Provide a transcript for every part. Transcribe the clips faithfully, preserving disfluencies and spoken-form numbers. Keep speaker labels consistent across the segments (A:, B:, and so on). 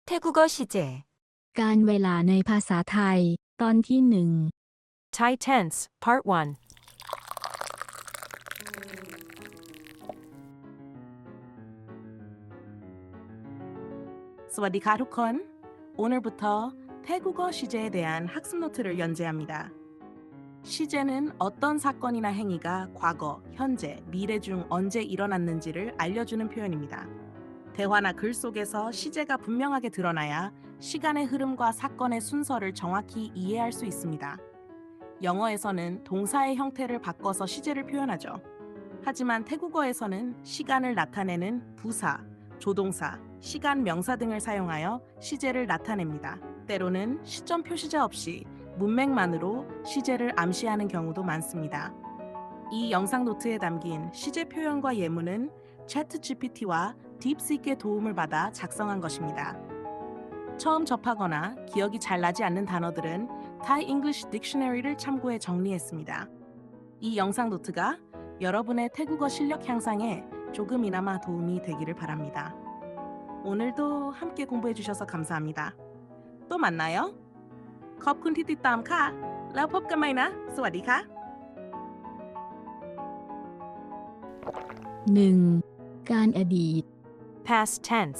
A: 태국어 시제
B: การเวลาในภาษาไทยตอนที่หนึ่ง
C: Thai tense, Part one.
D: สวัสดีค่ะทุกคน 오늘부터 태국어 시제에 대한 학습 노트를 연재합니다. 시제는 어떤 사건이나 행위가 과거, 현재, 미래 중 언제 일어났는지를 알려주는 표현입니다. 대화나 글 속에서 시제가 분명하게 드러나야 시간의 흐름과 사건의 순서를 정확히 이해할 수 있습니다. 영어에서는 동사의 형태를 바꿔서 시제를 표현하죠. 하지만 태국어에서는 시간을 나타내는 부사, 조동사, 시간 명사 등을 사용하여 시제를 나타냅니다. 때로는 시점 표시자 없이 문맥만으로 시제를 암시하는 경우도 많습니다. 이 영상 노트에 담긴 시제 표현과 예문은 챗 지피티와 딥시크의 도움을 받아 작성한 것입니다. 처음 접하거나 기억이 잘 나지 않는 단어들은 Thai English Dictionary를 참고해 정리했습니다. 이 영상 노트가 여러분의 태국어 실력 향상에 조금이나마 도움이 되기를 바랍니다. 오늘도 함께 공부해 주셔서 감사합니다. 또 만나요. ขอบคุณที่ติดตามค่ะ แล้วพบกันใหม่นะ สวัสดีค่ะ
B: หนึ่ง การอดีต
C: Past tense,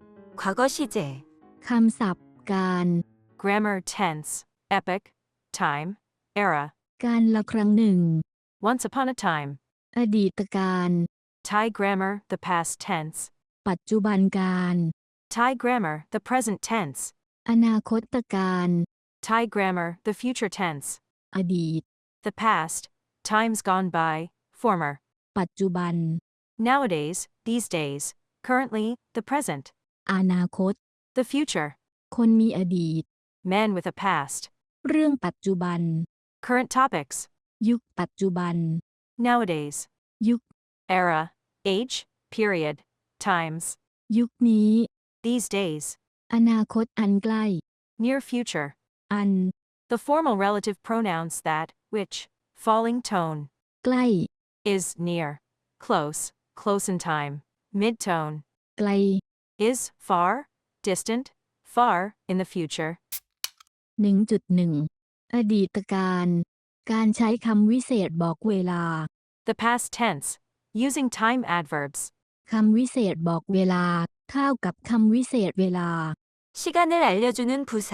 A: 과거 시제
B: คำศัพท์ การ
C: grammar tense, epoch, time, era.
B: การละครั้งหนึ่ง
C: Once upon a time.
B: อดีตการ
C: Thai grammar, the past tense.
B: ปัจจุบันการ
C: Thai grammar, the present tense.
B: อนาคตการ
C: Thai grammar, the future tense.
B: อดีต
C: The past, times gone by, former.
B: ปัจจุบัน
C: Nowadays, these days. Currently, the present.
B: อนาคต
C: The future.
B: คนมีอดีต
C: Man with a past.
B: เรื่องปัจจุบัน
C: Current topics.
B: ยุคปัจจุบัน
C: Nowadays.
B: ยุค
C: Era, age, period, times.
B: ยุคนี้
C: These days.
B: อนาคตอันใกล้
C: Near future.
B: อัน
C: The formal relative pronouns that, which, falling tone.
B: ใกล้
C: Is near. Close, close in time. Mid-tone.
B: ไกล
C: Is far, distant, far, in the future.
B: หนึ่งจุดหนึ่ง อดีตการ การใช้คำวิเศษบอกเวลา
C: The past tense. Using time adverbs.
B: คำวิเศษบอกเวลาเท่ากับคำวิเศษเวลา
A: 시간을 알려주는 부사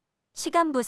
A: 시간 부사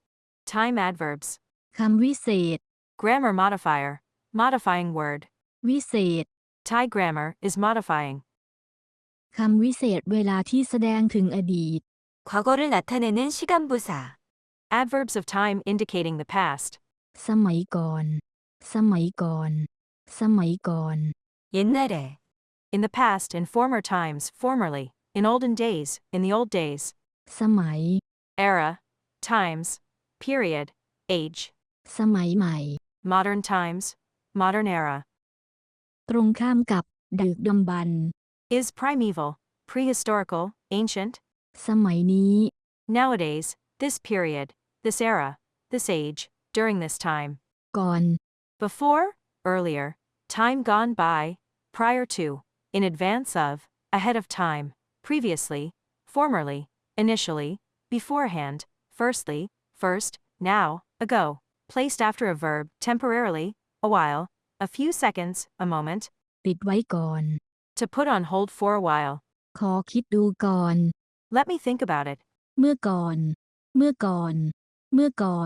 C: Time adverbs.
B: คำวิเศษ
C: Grammar modifier. Modifying word.
B: วิเศษ
C: Thai grammar is modifying.
B: คำวิเศษเวลาที่แสดงถึงอดีต
A: 과거를 나타내는 시간 부사
C: Adverbs of time indicating the past.
B: สมัยก่อน สมัยก่อน สมัยก่อน
A: 옛날에
C: In the past, in former times, formerly. In olden days, in the old days.
B: สมัย
C: Era. Times. Period. Age.
B: สมัยใหม่
C: Modern times. Modern era.
B: ตรงข้ามกับดึกดำบรรพ์
C: Is primeval. Prehistorical. Ancient.
B: สมัยนี้
C: Nowadays. This period. This era. This age. During this time.
B: ก่อน
C: Before. Earlier. Time gone by. Prior to. In advance of. Ahead of time. Previously. Formerly. Initially. Beforehand. Firstly. First. Now. Ago. Placed after a verb. Temporarily. A while. A few seconds. A moment.
B: ปิดไว้ก่อน
C: To put on hold for a while.
B: ขอคิดดูก่อน
C: Let me think about it.
B: เมื่อก่อน เมื่อก่อน เมื่อก่อน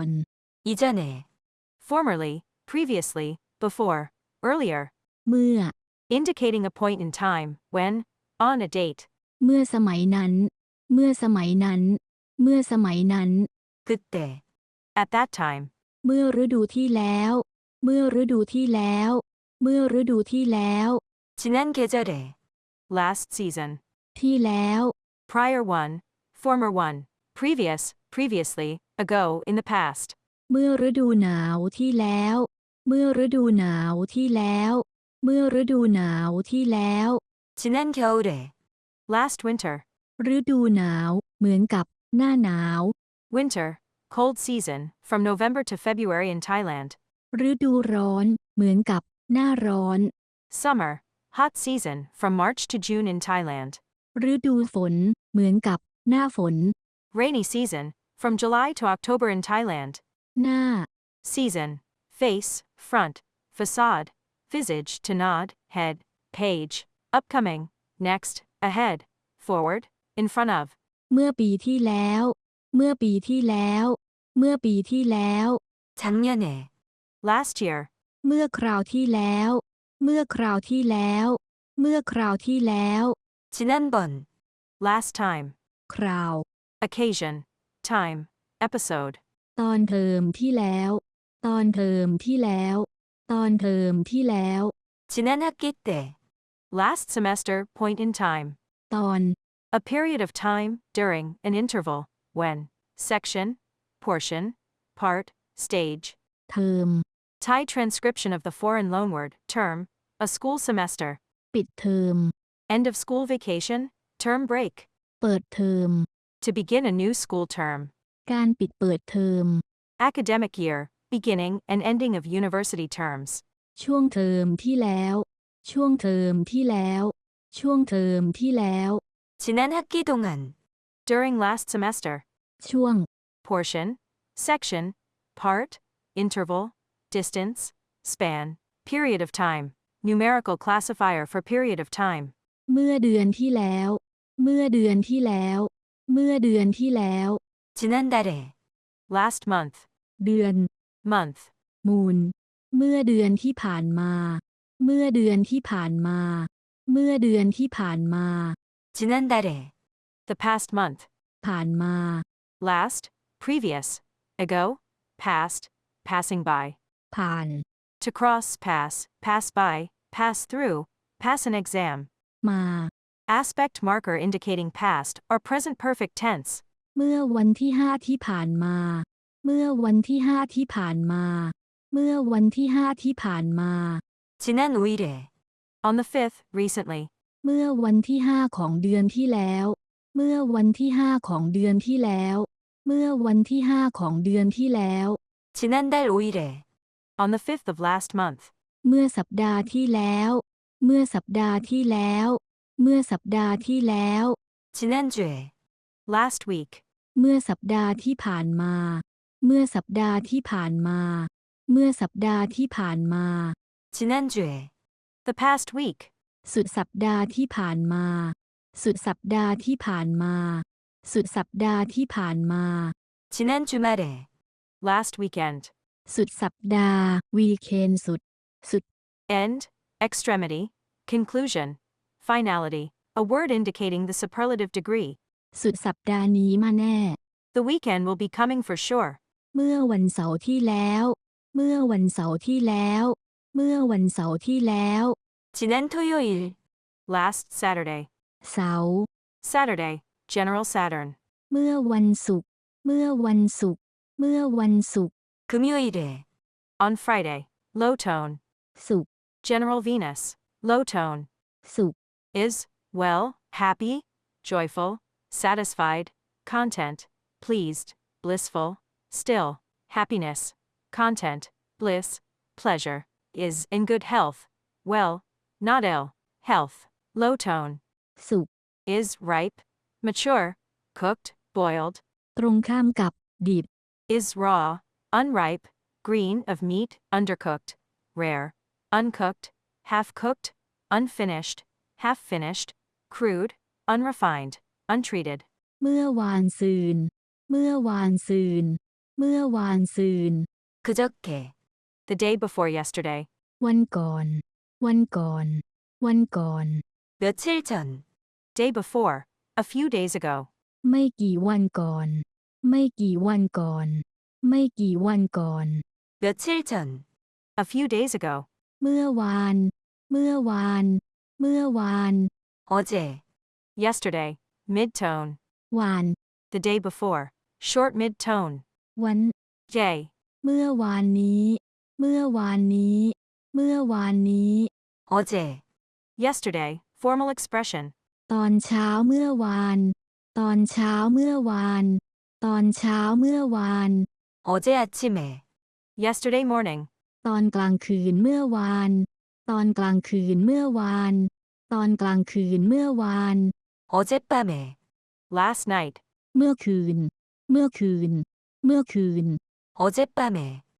A: 이전에
C: Formerly. Previously. Before. Earlier.
B: เมื่อ
C: Indicating a point in time. When. On a date.
B: เมื่อสมัยนั้น เมื่อสมัยนั้น เมื่อสมัยนั้น
A: 그때
C: At that time.
B: เมื่อฤดูที่แล้ว เมื่อฤดูที่แล้ว เมื่อฤดูที่แล้ว
A: 지난 계절에
C: Last season.
B: ที่แล้ว
C: Prior one. Former one. Previous. Previously. Ago. In the past.
B: เมื่อฤดูหนาวที่แล้ว เมื่อฤดูหนาวที่แล้ว เมื่อฤดูหนาวที่แล้ว
A: 지난 겨울에
C: Last winter.
B: ฤดูหนาว เหมือนกับ หน้าหนาว
C: Winter. Cold season. From November to February in Thailand.
B: ฤดูร้อน เหมือนกับ หน้าร้อน
C: Summer. Hot season. From March to June in Thailand.
B: ฤดูฝน เหมือนกับหน้าฝน
C: Rainy season, from July to October in Thailand.
B: หน้า
C: Season, face, front, facade, visage to nod, head, page, upcoming, next, ahead, forward, in front of.
B: เมื่อปีที่แล้ว เมื่อปีที่แล้ว เมื่อปีที่แล้ว
A: 작년에,
C: Last year,
B: เมื่อคราวที่แล้ว เมื่อคราวที่แล้ว เมื่อคราวที่แล้ว
A: 지난번,
C: last time,
B: คราว
C: occasion, time, episode.
B: ตอนเทอมที่แล้ว ตอนเทอมที่แล้ว ตอนเทอมที่แล้ว
A: 지난 학기 때,
C: Last semester, point in time.
B: ตอน
C: A period of time, during, an interval, when, section, portion, part, stage.
B: เทอม
C: Thai transcription of the foreign loanword, term, a school semester.
B: ปิดเทอม
C: End of school vacation, term break.
B: เปิดเทอม
C: To begin a new school term.
B: การปิดเปิดเทอม
C: Academic year, beginning and ending of university terms.
B: ช่วงเทอมที่แล้ว ช่วงเทอมที่แล้ว ช่วงเทอมที่แล้ว
A: 지난 학기 동안,
C: During last semester.
B: ช่วง
C: Portion, section, part, interval, distance, span, period of time. Numerical classifier for period of time.
B: เมื่อเดือนที่แล้ว เมื่อเดือนที่แล้ว เมื่อเดือนที่แล้ว
A: 지난달에,
C: Last month.
B: เดือน
C: Month.
B: มูล เมื่อเดือนที่ผ่านมา เมื่อเดือนที่ผ่านมา เมื่อเดือนที่ผ่านมา
A: 지난달에,
C: The past month.
B: ผ่านมา
C: Last, previous. Ago, past, passing by.
B: ผ่าน
C: To cross, pass, pass by, pass through, pass an exam.
B: มา
C: Aspect marker indicating past or present perfect tense.
B: เมื่อวันที่ห้าที่ผ่านมา เมื่อวันที่ห้าที่ผ่านมา เมื่อวันที่ห้าที่ผ่านมา
A: 지난 오일에,
C: On the fifth, recently.
B: เมื่อวันที่ห้าของเดือนที่แล้ว เมื่อวันที่ห้าของเดือนที่แล้ว เมื่อวันที่ห้าของเดือนที่แล้ว
A: 지난달 오일에,
C: On the fifth of last month.
B: เมื่อสัปดาห์ที่แล้ว เมื่อสัปดาห์ที่แล้ว เมื่อสัปดาห์ที่แล้ว
A: 지난주에,
C: Last week.
B: เมื่อสัปดาห์ที่ผ่านมา เมื่อสัปดาห์ที่ผ่านมา เมื่อสัปดาห์ที่ผ่านมา
A: 지난주에,
C: The past week.
B: สุดสัปดาห์ที่ผ่านมา สุดสัปดาห์ที่ผ่านมา สุดสัปดาห์ที่ผ่านมา
A: 지난 주말에,
C: Last weekend.
B: สุดสัปดาห์ วีเคนสุด สุด
C: End, extremity, conclusion, finality. A word indicating the superlative degree.
B: สุดสัปดาห์นี้มาแน่
C: The weekend will be coming for sure.
B: เมื่อวันเสาร์ที่แล้ว เมื่อวันเสาร์ที่แล้ว เมื่อวันเสาร์ที่แล้ว
A: 지난 토요일,
C: Last Saturday.
B: เสาร์
C: Saturday, General Saturn.
B: เมื่อวันศุกร์ เมื่อวันศุกร์ เมื่อวันศุกร์
A: 금요일에,
C: On Friday. Low tone.
B: ศุกร์
C: General Venus. Low tone.
B: ศุกร์
C: Is, well, happy, joyful, satisfied, content, pleased, blissful, still, happiness, content, bliss, pleasure, is in good health, well, not ill, health, low tone,
B: ศุกร์
C: is ripe, mature, cooked, boiled,
B: ตรงข้ามกับ ดิบ
C: is raw, unripe, green of meat, undercooked, rare, uncooked, half-cooked, unfinished, half-finished, crude, unrefined, untreated.
B: เมื่อวานซืน เมื่อวานซืน เมื่อวานซืน
A: 그저께,
C: The day before yesterday.
B: วันก่อน วันก่อน วันก่อน
A: 며칠 전,
C: Day before. A few days ago.
B: ไม่กี่วันก่อน ไม่กี่วันก่อน ไม่กี่วันก่อน
A: 며칠 전,
C: A few days ago.
B: เมื่อวาน เมื่อวาน เมื่อวาน
A: 어제,
C: Yesterday. Mid-tone.
B: วาน
C: The day before. Short mid-tone.
B: วัน
C: Day.
B: เมื่อวานนี้ เมื่อวานนี้ เมื่อวานนี้
A: 어제,
C: Yesterday. Formal expression.
B: ตอนเช้าเมื่อวาน ตอนเช้าเมื่อวาน ตอนเช้าเมื่อวาน
A: 어제 아침에,
C: Yesterday morning.
B: ตอนกลางคืนเมื่อวาน ตอนกลางคืนเมื่อวาน ตอนกลางคืนเมื่อวาน
A: 어젯밤에,
C: last night,
B: เมื่อคืน เมื่อคืน เมื่อคืน
A: 어젯밤에,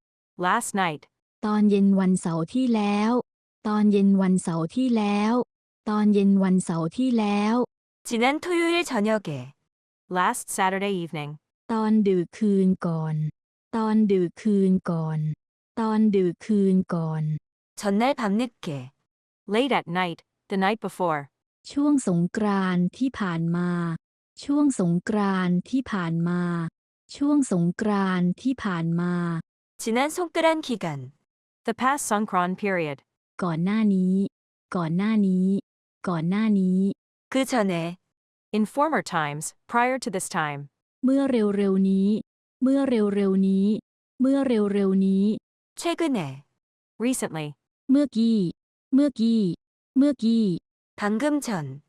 C: last night,
B: ตอนเย็นวันเสาร์ที่แล้ว ตอนเย็นวันเสาร์ที่แล้ว ตอนเย็นวันเสาร์ที่แล้ว
A: 지난 토요일 저녁에,
C: last Saturday evening,
B: ตอนดึกคืนก่อน ตอนดึกคืนก่อน ตอนดึกคืนก่อน
A: 전날 밤늦게,
C: late at night, the night before,
B: ช่วงสงกรานต์ที่ผ่านมา ช่วงสงกรานต์ที่ผ่านมา ช่วงสงกรานต์ที่ผ่านมา
A: 지난 손끄란 기간,
C: the past Songkran period,
B: ก่อนหน้านี้ ก่อนหน้านี้ ก่อนหน้านี้
A: 그 전에,
C: in former times, prior to this time,
B: เมื่อเร็วๆนี้ เมื่อเร็วๆนี้ เมื่อเร็วๆนี้
A: 최근에,
C: recently,
B: เมื่อกี้ เมื่อกี้ เมื่อกี้
A: 방금 전,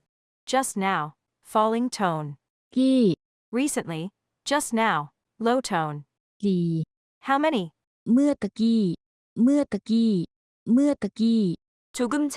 C: just now, falling tone,
B: กี้
C: recently, just now, low tone,
B: กี่
C: how many,
B: เมื่อตะกี้ เมื่อตะกี้ เมื่อตะกี้
A: 조금 전,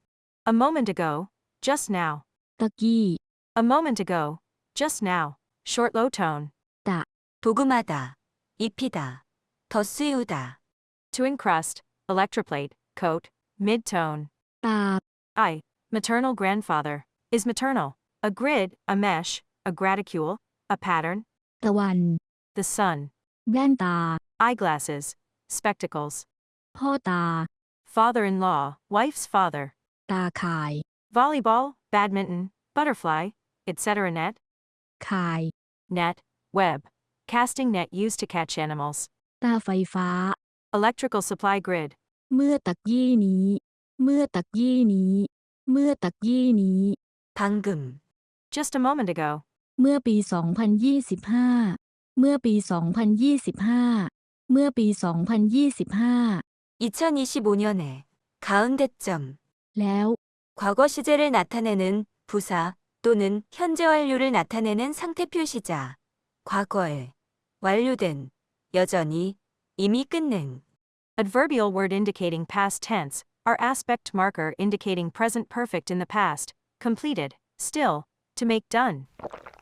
C: a moment ago, just now,
B: ตะกี้
C: a moment ago, just now, short low tone,
B: ตะ
A: 도금하다, 입히다, 더 씌우다,
C: to encrust, electroplate, coat, mid tone,
B: ตาบ
C: I, maternal grandfather, is maternal, a grid, a mesh, a graticule, a pattern,
B: ตะวัน
C: the sun,
B: แว่นตา
C: eyeglasses, spectacles,
B: พ่อตา
C: father-in-law, wife's father,
B: ตาข่าย
C: volleyball, badminton, butterfly, et cetera net,
B: ข่าย
C: net, web, casting net used to catch animals,
B: ตาไฟฟ้า
C: electrical supply grid,
B: เมื่อตะกี้นี้ เมื่อตะกี้นี้ เมื่อตะกี้นี้
A: 방금,
C: just a moment ago,
B: เมื่อปี สองพันยี่สิบห้า เมื่อปี สองพันยี่สิบห้า เมื่อปี สองพันยี่สิบห้า
A: 이천이십오년에, 가운데점,
B: แล้ว
A: 과거 시제를 나타내는 부사 또는 현재 완료를 나타내는 상태표 시자, 과거에, 완료된, 여전히, 이미 끝낸.
C: adverbial word indicating past tense, are aspect marker indicating present perfect in the past, completed, still, to make done.